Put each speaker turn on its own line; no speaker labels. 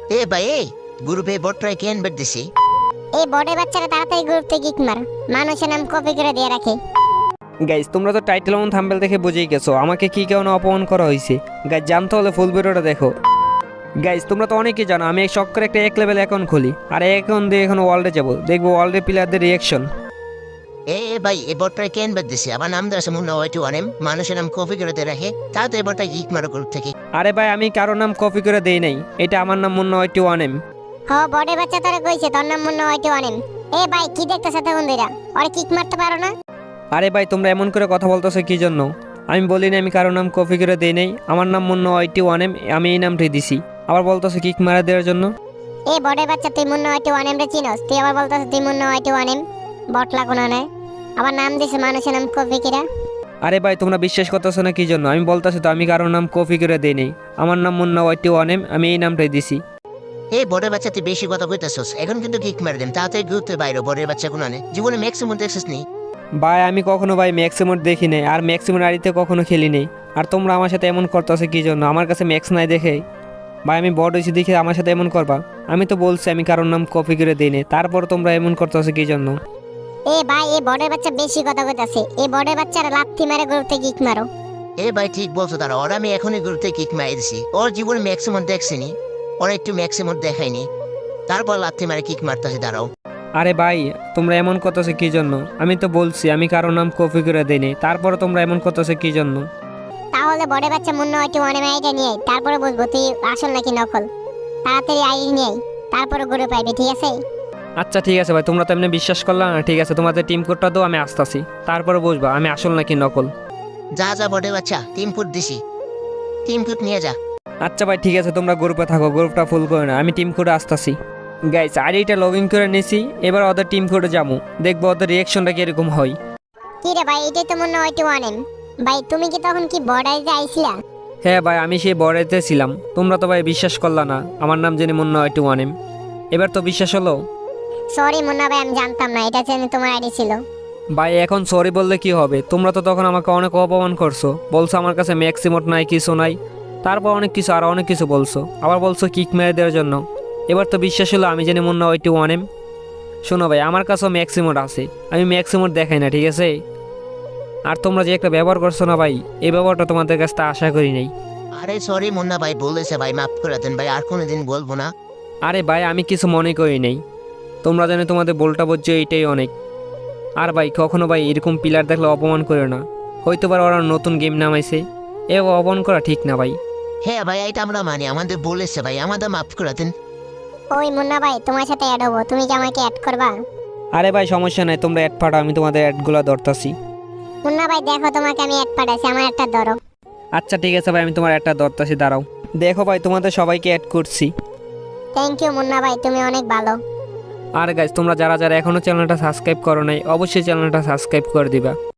এ ভাই এই গ্রুপে বটরাই কেন বেট দিছি।
এই বড় বাচ্চারা তাড়াতাড়ি গ্রুপ থেকে কিক মার, মানুষের নাম কপি করে দিয়ে রাখে।
গাইজ তোমরা তো টাইটেল এবং থাম্বনেল দেখে বুঝেই গেছো আমাকে কি কেন অপমান করা হয়েছে। গাইজ জানতে হলে ফুল ভিডিওটা দেখো। গাইজ তোমরা তো অনেকেই জানো আমি এক শখ করে একটা এক লেভেল অ্যাকাউন্ট খুলি, আর এই অ্যাকাউন্ট দিয়ে এখন ওয়ার্ল্ডে যাবো, দেখবো ওয়ার্ল্ডের প্লেয়ারদের রিয়াকশন।
এ ভাই এই বটরাই কেন বেট দিছি। আমার নাম দেওয়া আছে মুন্না ওয়াইটু অনেম, মানুষের নাম কপি করে দিয়ে রাখে। তাও তো এই বটরাই কিক মারো গ্রুপ থেকে।
আরে ভাই আমি কারোর নাম কপি করে দেই নাই, এটা আমার নাম মুন্না ওয়াইটু অনেম।
হ বড় বাচ্চা তোরা কইছে তোর নাম মুন্না ওয়াইটু অনেম। এ ভাই কি দেখতেছ এত বন্ধুরা, ওরে কিক মারতে পারো না?
আরে ভাই তোমরা এমন করে কথা বলতেছো কি জন্য? আমি বলি না আমি কারোর নাম কপি করে দেই নাই, আমার নাম মুন্না ওয়াইটু অনেম, আমি এই নামটাই দিছি। আবার বলতেছো কিক মারা দেওয়ার জন্য।
এ বড় বাচ্চা তুই মুন্না ওয়াইটু অনেম রে চিনোস? তুই আবার বলতাছ তুই মুন্না ওয়াইটু অনেম, বটলা কোন না? আবার নাম দিছে মানুষের নাম কপি কিরা।
আরে ভাই তোমরা বিশ্বাস করতেছো না কি জন্য? আমি বলতেছি তো আমি কারোর নাম কপি করে দেই নাই, আমার নাম মুন্না ওয়াইটু অনেম, আমি এই নামটাই দিছি।
এই বড় বাচ্চা তুই বেশি কথা কইতাছস, এখন কিন্তু কিক মার দেন। তাড়াতাড়ি গ্রুপ থেকে বাইরে বড় বাচ্চা কোন আনে জীবনে ম্যাক্সিমাম দেখছিস নি।
ভাই আমি কখনো ভাই ম্যাক্সিমোড দেখি নাই, আর ম্যাক্সিমোড আড়িতে কখনো খেলি নেই। আর তোমরা আমার সাথে এমন করতেছো কি জন্য? আমার কাছে ম্যাক্স নাই দেখে? ভাই আমি বড় হয়েছি দেখে আমার সাথে এমন করবা? আমি তো বলছি আমি কারোর নাম কপি করে দিই নাই, তারপর তোমরা এমন করতেছো কি জন্য?
এ ভাই এই বড় বাচ্চা বেশি কথা কইতাছে, এই বড় বাচ্চারা লাথি মারে গ্রুপ থেকে কিক মারো।
এ ভাই ঠিক বলছো, তারা ওর আমি এখনই গ্রুপ থেকে কিক মারি দিছি। ওর জীবনে ম্যাক্সিমাম দেখছিনি, ওর একটু ম্যাক্সিমাম দেখায়নি, তারপর লাথি মারে কিক মারতেছে। দাঁড়াও
আরে ভাই তোমরা এমন করতেছো কি জন্য? আমি তো বলছি আমি কারোর নাম কপি করে দিই নাই, তারপর তোমরা এমন করতেছো কি জন্য?
তাহলে বড় বাচ্চা মুন্না ওয়াইটু অনেম আইডি নিয়ে আয়, তারপরে বুঝবো তুই আসল নাকি নকল। তাড়াতাড়ি আইডি নিয়ে আয়, তারপরে গ্রুপ আইবি, ঠিক আছে?
আচ্ছা ঠিক আছে ভাই, তোমরা তো এমনি বিশ্বাস করলা না, ঠিক আছে তোমাদের টিম কোডটা দাও, আমি আসতাছি, তারপরে বুঝবা আমি আসল নাকি নকল।
যা যা বড় বাচ্চা, টিম ফুট দিছি, টিম ফুট নিয়ে যা।
আচ্ছা ভাই ঠিক আছে, তোমরা গ্রুপে থাকো, গ্রুপটা ফুল করে না, আমি টিম কোডে আসতাছি। গাইস আইডিটা লগ ইন করে নিছি, এবার ওদের টিম কোডে যাবো, দেখবো ওদের রিয়াকশনটা কিরকম হয়।
কি রে ভাই, এটাই তো মুন্না ওয়াইটু অনেম। ভাই তুমি কি তখন কি বর্ডারে আইছিলা?
হ্যাঁ ভাই আমি সেই বড়াইতে ছিলাম, তোমরা তো ভাই বিশ্বাস করলা না আমার নাম জেনে মুন্না ওয়াইটু ওয়ানেম, এবার তো বিশ্বাস হলো?
সরি মুন্না ভাই, আমি জানতাম না এটা জেনে তোমার আইডি ছিল।
ভাই এখন সরি বললে কি হবে? তোমরা তো তখন আমাকে অনেক অপমান করছো, বলছো আমার কাছে ম্যাক্সিমোট নাই, কিছু নাই, তারপর অনেক কিছু আর অনেক কিছু বলছো, আবার বলছো কিক মেরে দেওয়ার জন্য। এবার তো বিশ্বাস হলো আমি জানি মুন্না ওয়াইটু ওয়ানেম। শোনো ভাই আমার কাছেও ম্যাক্সিমোট আছে, আমি ম্যাক্সিমোট দেখাই না, ঠিক আছে? আর তোমরা যে একটা ব্যবহার করছো না ভাই, এই ব্যবহারটা তোমাদের কাছ থেকে আশা করি নাই।
আরে সরি মুন্না ভাই, বলেছে ভাই, মাফ করে দেন ভাই, আর কোনোদিন বলবো না।
আরে ভাই আমি কিছু মনে করি নাই, তোমরা জানো তোমাদের বলটা বুঝছো এইটাই অনেক। আর ভাই কখনো ভাই এরকম প্লেয়ার দেখলে অপমান করে না, হয়তো বা ওরা নতুন গেম নামাইছে, এ অপমান করা ঠিক না ভাই।
হ্যাঁ ভাই এটা আমরা মানি, আমাদের বলেছে ভাই, আমাদের মাফ করে দেন।
ওই মুন্না ভাই তোমার সাথে অ্যাড হবো, তুমি কি আমাকে অ্যাড করবা?
আরে ভাই সমস্যা নাই, তোমরা অ্যাড পাঠাও, আমি তোমাদের অ্যাডগুলো ধরতাছি।
মুন্না ভাই দেখো তোমাকে আমি অ্যাড পাঠাইছি, আমার একটা ধরো।
আচ্ছা ঠিক আছে ভাই আমি তোমার একটা ধরতাছি, দাঁড়াও। দেখো ভাই তোমাদের সবাইকে অ্যাড করছি।
থ্যাংক ইউ মুন্না ভাই, তুমি অনেক ভালো।
আর গাইজ তোমরা যারা যারা এখনো চ্যানেলটা সাবস্ক্রাইব করো নাই অবশ্যই চ্যানেলটা সাবস্ক্রাইব করে দিবা।